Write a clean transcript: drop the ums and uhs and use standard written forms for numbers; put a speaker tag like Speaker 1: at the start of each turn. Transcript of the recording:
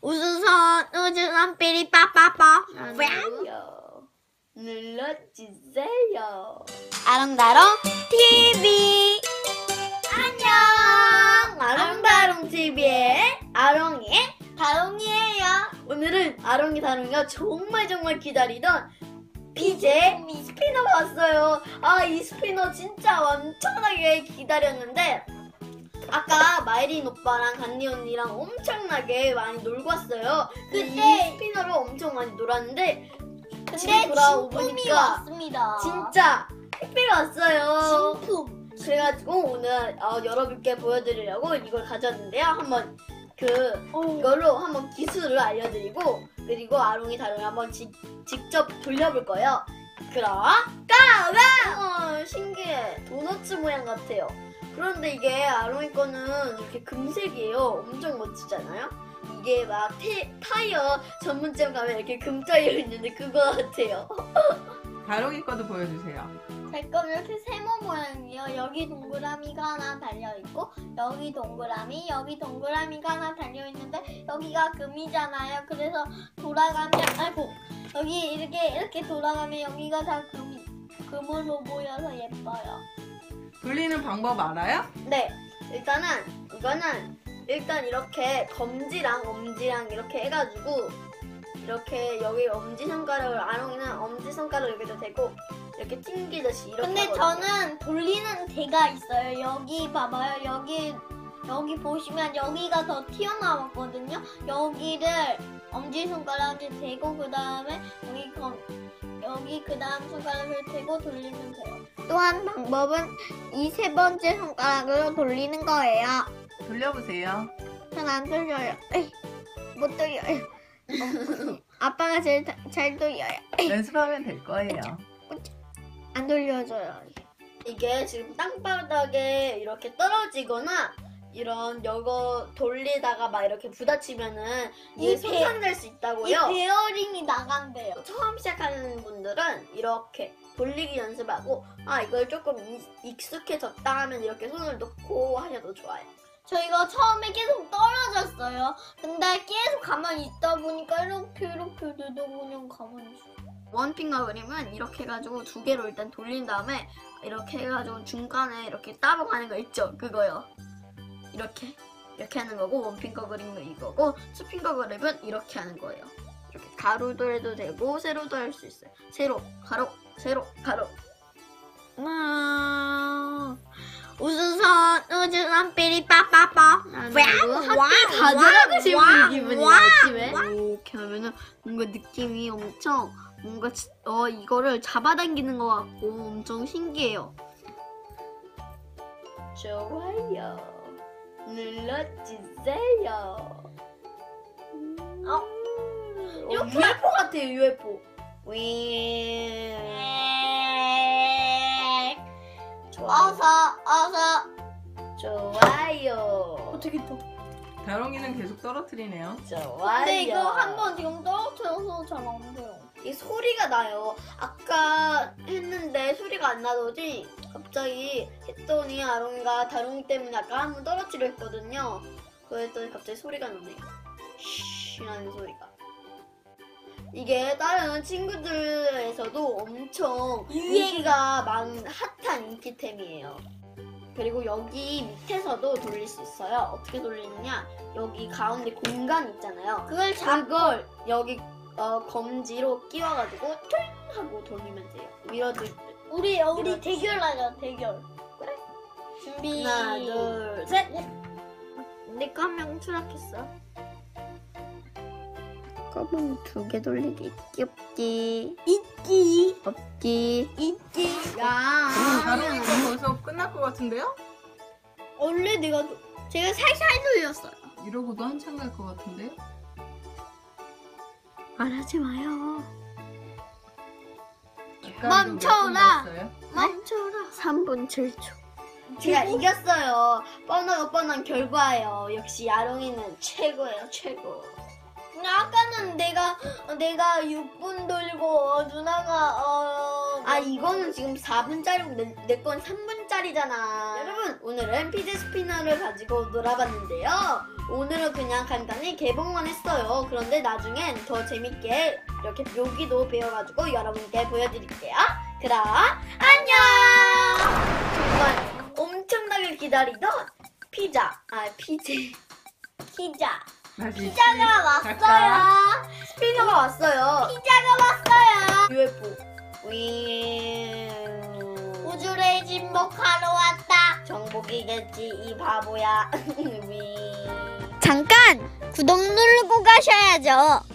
Speaker 1: 우주선 우주선 삐리빠빠빠
Speaker 2: 눌러주세요.
Speaker 1: 아롱다롱 TV.
Speaker 2: 안녕. 아롱다롱 TV의 아롱이의
Speaker 1: 다롱이에요.
Speaker 2: 오늘은 아롱이 다롱이가 정말 기다리던 BJ 스피너가 왔어요. 이 스피너 진짜 엄청나게 기다렸는데 아까 마이린 오빠랑 간니 언니랑 엄청나게 많이 놀고 왔어요. 이 스피너로 엄청 많이 놀았는데 집에 돌아오
Speaker 1: 진품이
Speaker 2: 보니까
Speaker 1: 왔습니다.
Speaker 2: 진짜 택배가 왔어요.
Speaker 1: 진품.
Speaker 2: 그래가지고 오늘 여러분께 보여드리려고 이걸 가져왔는데요. 한번 이걸로 한번 기술을 알려드리고 그리고 아롱이 다롱이 한번 직접 돌려볼 거예요. 그럼 가라! 신기해. 도너츠 모양 같아요. 그런데 이게 아롱이 거는 이렇게 금색이에요. 엄청 멋지잖아요? 이게 막 타이어 전문점 가면 이렇게 금 타이어 있는데 그거 같아요.
Speaker 3: 다롱이 거도 보여주세요.
Speaker 1: 제 거는 이렇게 세모 모양이에요. 여기 동그라미가 하나 달려있고 여기 동그라미가 하나 달려있는데 여기가 금이잖아요. 그래서 돌아가면 여기 이렇게 돌아가면 여기가 다 금으로 보여서 예뻐요.
Speaker 3: 돌리는 방법 알아요?
Speaker 2: 네, 이거는 일단 이렇게 검지랑 엄지랑 이렇게 해가지고 이렇게 여기 엄지손가락을 아롱이는 엄지손가락을 여기다 대고 이렇게 튕기듯이 이렇게
Speaker 1: 근데
Speaker 2: 하거든요.
Speaker 1: 저는 돌리는 데가 있어요. 여기 봐봐요. 여기 보시면 여기가 더 튀어나왔거든요. 여기를 엄지손가락에 대고 그 다음에 여기 그 다음 손가락을 대고 돌리면 돼요. 또 한 방법은 이 세 번째 손가락으로 돌리는 거예요.
Speaker 3: 돌려보세요.
Speaker 1: 전 안 돌려요. 못 돌려요. 아빠가 제일 잘 돌려요.
Speaker 3: 연습하면 될 거예요.
Speaker 1: 안 돌려줘요.
Speaker 2: 이게 지금 땅바닥에 이렇게 떨어지거나 이런 요거 돌리다가 막 이렇게 부딪히면은 이게 손상될 수
Speaker 1: 이
Speaker 2: 있다고요.
Speaker 1: 베어링이 나간대요.
Speaker 2: 처음 시작하는 분들은 이렇게 돌리기 연습하고 이걸 조금 익숙해졌다 하면 이렇게 손을 놓고 하셔도 좋아요.
Speaker 1: 저 이거 처음에 계속 떨어졌어요. 근데 계속 가만히 있다 보니까 이렇게 되다 그냥 가만히 있어요.
Speaker 2: 원핑거 그림은 이렇게 해가지고 두 개로 일단 돌린 다음에 이렇게 해가지고 중간에 이렇게 따로 가는 거 있죠? 그거요. 이렇게 하는 거고 원핑거 그림은 이거고 투핑거 그림은 이렇게 하는 거예요. 이렇게 가로도 해도 되고 세로도 할 수 있어요. 세로, 가로, 세로, 가로.
Speaker 1: 우주선 삐리빠빠빠.
Speaker 2: 학교 가져가고 싶은 기분이에요. 아침에 이렇게 하면은 뭔가 느낌이 엄청 뭔가 이거를 잡아당기는 것 같고 엄청 신기해요. 좋아요. 눌러주세요. UFO 같아요. UFO.
Speaker 1: 어서.
Speaker 2: 좋아요.
Speaker 1: 되게 더.
Speaker 3: 다롱이는 계속 떨어뜨리네요.
Speaker 2: 좋아요.
Speaker 1: 근데 이거 한번 지금 떨어뜨려서 잘 안 돼요.
Speaker 2: 이 소리가 나요. 아까 했는데 소리가 안 나더니 갑자기 했더니 아롱이가 다롱이 때문에 아까 한번 떨어뜨려 했거든요. 그랬더니 갑자기 소리가 나네요. 쉬 하는 소리가. 이게 다른 친구들에서도 엄청 인기가 많은 핫한 인기템이에요. 그리고 여기 밑에서도 돌릴 수 있어요. 어떻게 돌리느냐? 여기 가운데 공간 있잖아요.
Speaker 1: 그걸
Speaker 2: 그걸 여기 검지로 끼워가지고 퉁 하고 돌리면 돼요. 밀어줄 때.
Speaker 1: 우리 대결하자. 대결.
Speaker 2: 그래?
Speaker 1: 준비.
Speaker 2: 하나, 둘, 셋. 내 거 한 명 추락했어. 검은 2개 돌리기 있기 없기. 야.
Speaker 3: 다롱이 거 벌써 끝날 것 같은데요?
Speaker 1: 원래 제가 살살 돌렸어요.
Speaker 3: 이러고도 한참 갈 것 같은데요?
Speaker 2: 말하지 마요.
Speaker 1: 멈춰라.
Speaker 3: 멈춰라.
Speaker 2: 3분 7초. 제가 이겼어요. 뻔한 결과예요. 역시 야롱이는 최고예요. 최고.
Speaker 1: 아까는 내가 6분 돌고 누나가
Speaker 2: 이거는 지금 4분짜리고 내 건 3분짜리잖아. 여러분, 오늘은 피지 스피너를 가지고 놀아봤는데요. 오늘은 그냥 간단히 개봉만 했어요. 그런데 나중엔 더 재밌게 이렇게 묘기도 배워가지고 여러분께 보여드릴게요. 그럼 안녕! 정말 엄청나게 기다리던 피자, 피자가 왔어요. 스피너가 왔어요.
Speaker 1: 피자가 왔어요.
Speaker 2: UFO. 윙.
Speaker 1: 우주를 침묵하러 왔다.
Speaker 2: 정복이겠지 이 바보야. 윙.
Speaker 1: 잠깐 구독 누르고 가셔야죠.